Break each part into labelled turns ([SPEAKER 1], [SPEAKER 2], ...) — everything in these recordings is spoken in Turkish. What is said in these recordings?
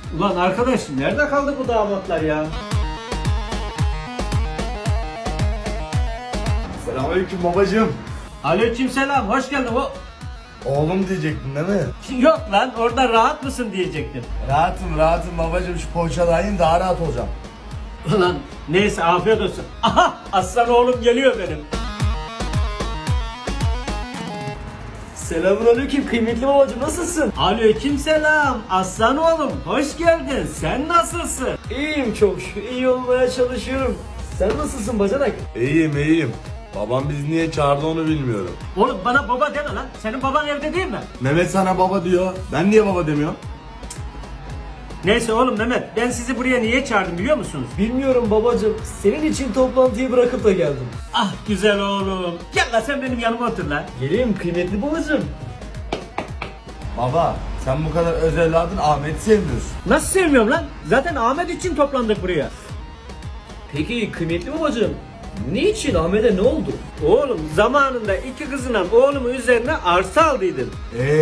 [SPEAKER 1] Ulan arkadaş nerede kaldı bu damatlar ya?
[SPEAKER 2] Selamünaleyküm babacığım.
[SPEAKER 1] Aleykümselam, hoş geldin.
[SPEAKER 2] Oğlum diyecektin değil mi?
[SPEAKER 1] Yok lan, orada rahat mısın diyecektim.
[SPEAKER 2] Rahatım babacığım, şu poğaçadan yiyin daha rahat olacağım.
[SPEAKER 1] Ulan neyse, afiyet olsun. Aha, aslan oğlum geliyor benim.
[SPEAKER 3] Selamünaleyküm kıymetli babacığım, nasılsın?
[SPEAKER 1] Aleykümselam, aslan oğlum hoş geldin. Sen nasılsın?
[SPEAKER 3] İyiyim çok şükür, iyi olmaya çalışıyorum. Sen nasılsın bacanak?
[SPEAKER 2] İyiyim. Babam bizi niye çağırdı onu bilmiyorum.
[SPEAKER 1] Oğlum bana baba deme lan. Senin baban evde değil mi?
[SPEAKER 2] Mehmet sana baba diyor. Ben niye baba demiyorum?
[SPEAKER 1] Neyse oğlum Mehmet, ben sizi buraya niye çağırdım biliyor musunuz?
[SPEAKER 3] Bilmiyorum babacığım, senin için toplantıyı bırakıp da geldim.
[SPEAKER 1] Ah güzel oğlum. Gel lan sen benim yanıma otur lan.
[SPEAKER 3] Geleyim kıymetli babacığım.
[SPEAKER 2] Baba sen bu kadar öz evladın Ahmet'i sevmiyorsun.
[SPEAKER 1] Nasıl sevmiyorum lan? Zaten Ahmet için toplandık buraya.
[SPEAKER 3] Peki kıymetli babacığım, niçin Ahmet'e ne oldu?
[SPEAKER 1] Oğlum zamanında iki kızından oğlumun üzerine arsa aldıydın.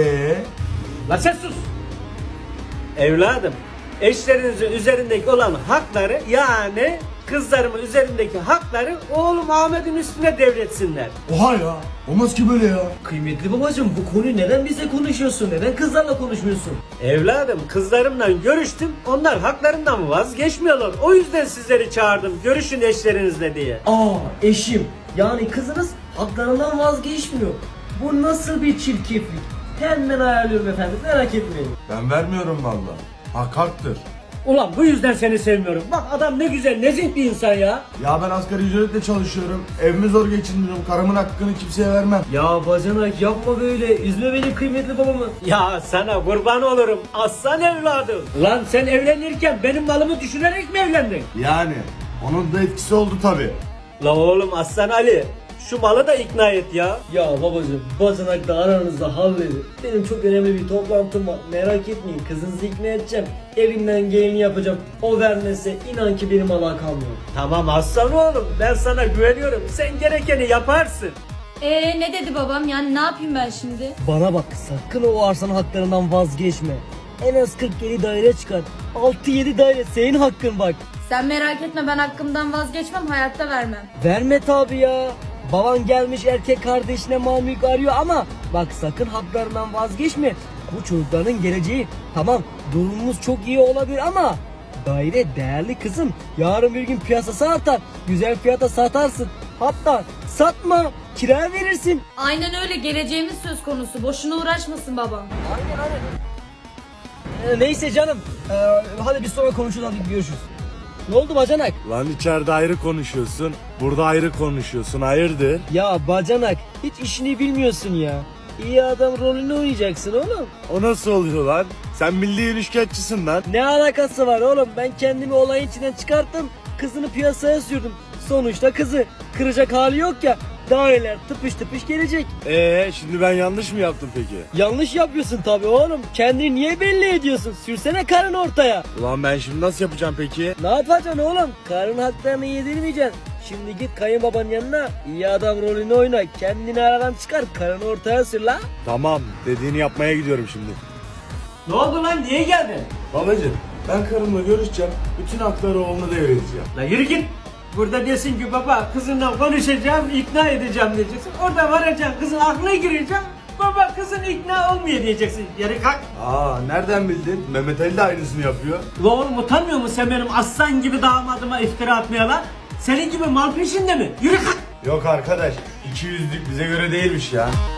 [SPEAKER 1] Lan sen sus. Evladım, eşlerinizin üzerindeki olan hakları, yani kızlarımın üzerindeki hakları oğlum Ahmet'in üstüne devretsinler.
[SPEAKER 2] Oha ya. Olmaz ki böyle ya.
[SPEAKER 3] Kıymetli babacığım, bu konuyu neden bize konuşuyorsun? Neden kızlarla konuşmuyorsun?
[SPEAKER 1] Evladım, kızlarımla görüştüm. Onlar haklarından vazgeçmiyorlar. O yüzden sizleri çağırdım. Görüşün eşlerinizle diye.
[SPEAKER 3] Eşim, yani kızınız haklarından vazgeçmiyor. Bu nasıl bir çirkeflik? Hemen ayarlıyorum efendim, merak etmeyin.
[SPEAKER 2] Ben vermiyorum valla. Hak haktır.
[SPEAKER 1] Ulan bu yüzden seni sevmiyorum. Bak adam ne güzel, nezih bir insan ya.
[SPEAKER 2] Ya ben asgari ücretle çalışıyorum. Evimi zor geçindiriyorum. Karımın hakkını kimseye vermem.
[SPEAKER 3] Ya bacanak yapma böyle, üzme beni kıymetli babamı.
[SPEAKER 1] Ya sana kurban olurum aslan evladım. Lan sen evlenirken benim malımı düşünerek mi evlendin?
[SPEAKER 2] Yani onun da etkisi oldu tabi.
[SPEAKER 1] La oğlum Aslan Ali, şu malı da ikna et ya.
[SPEAKER 3] Ya babacığım, bacanak da aranızda halledin. Benim çok önemli bir toplantım var, merak etmeyin, kızınızı ikna edeceğim. Elimden geleni yapacağım. O vermezse inan ki benim alakam yok.
[SPEAKER 1] Tamam aslan oğlum, ben sana güveniyorum. Sen gerekeni yaparsın.
[SPEAKER 4] Ne dedi babam, yani ne yapayım ben şimdi?
[SPEAKER 3] Bana bak, sakın o arsanın haklarından vazgeçme. En az 47 daire çıkar. 6-7 daire senin hakkın bak.
[SPEAKER 4] Sen merak etme, ben hakkımdan vazgeçmem, hayatta vermem.
[SPEAKER 3] Verme tabi ya. Baban gelmiş erkek kardeşine mal mülk arıyor ama bak sakın haklarından vazgeçme. Bu çocukların geleceği. Tamam, durumumuz çok iyi olabilir ama daire değerli kızım. Yarın bir gün piyasası artar. Güzel fiyata satarsın. Hatta satma, kira verirsin.
[SPEAKER 4] Aynen öyle, geleceğimiz söz konusu, boşuna uğraşmasın babam.
[SPEAKER 3] Neyse canım. Hadi biz sonra konuşuruz, hadi görüşürüz. Ne oldu bacanak?
[SPEAKER 2] Lan içeride ayrı konuşuyorsun. Burada ayrı konuşuyorsun. Hayırdır?
[SPEAKER 3] Ya bacanak, hiç işini bilmiyorsun ya. İyi adam rolünü oynayacaksın oğlum.
[SPEAKER 2] O nasıl oluyor lan? Sen milli ilişkiatçısın lan.
[SPEAKER 3] Ne alakası var oğlum? Ben kendimi olayın içinden çıkarttım. Kızını piyasaya sürdüm. Sonuçta kızı. Kıracak hali yok ya. Daireler tıpış tıpış gelecek.
[SPEAKER 2] Şimdi ben yanlış mı yaptım peki?
[SPEAKER 3] Yanlış yapıyorsun tabii oğlum. Kendini niye belli ediyorsun? Sürsene karını ortaya.
[SPEAKER 2] Ulan ben şimdi nasıl yapacağım peki?
[SPEAKER 3] Ne yapacaksın oğlum? Karın haklarını yedirmeyeceksin. Şimdi git kayınbabanın yanına, iyi adam rolünü oyna. Kendini aradan çıkar, karını ortaya sür la.
[SPEAKER 2] Tamam, dediğini yapmaya gidiyorum şimdi.
[SPEAKER 1] Ne oldu lan, niye geldin?
[SPEAKER 2] Babacım, ben karımla görüşeceğim. Bütün hakları oğluna devredeceğim.
[SPEAKER 1] La yürü git. Burada desin ki baba kızınla konuşacağım, ikna edeceğim diyeceksin. Orada varacaksın, kızın aklına gireceksin. Baba kızın ikna olmuyor diyeceksin. Yere kalk.
[SPEAKER 2] Nereden bildin? Mehmet Ali de aynısını yapıyor.
[SPEAKER 1] La oğlum utanmıyor musun sen benim aslan gibi damadıma iftira atmaya lan? Senin gibi mal peşinde mi? Yürü kalk.
[SPEAKER 2] Yok arkadaş, 200'lük bize göre değilmiş ya.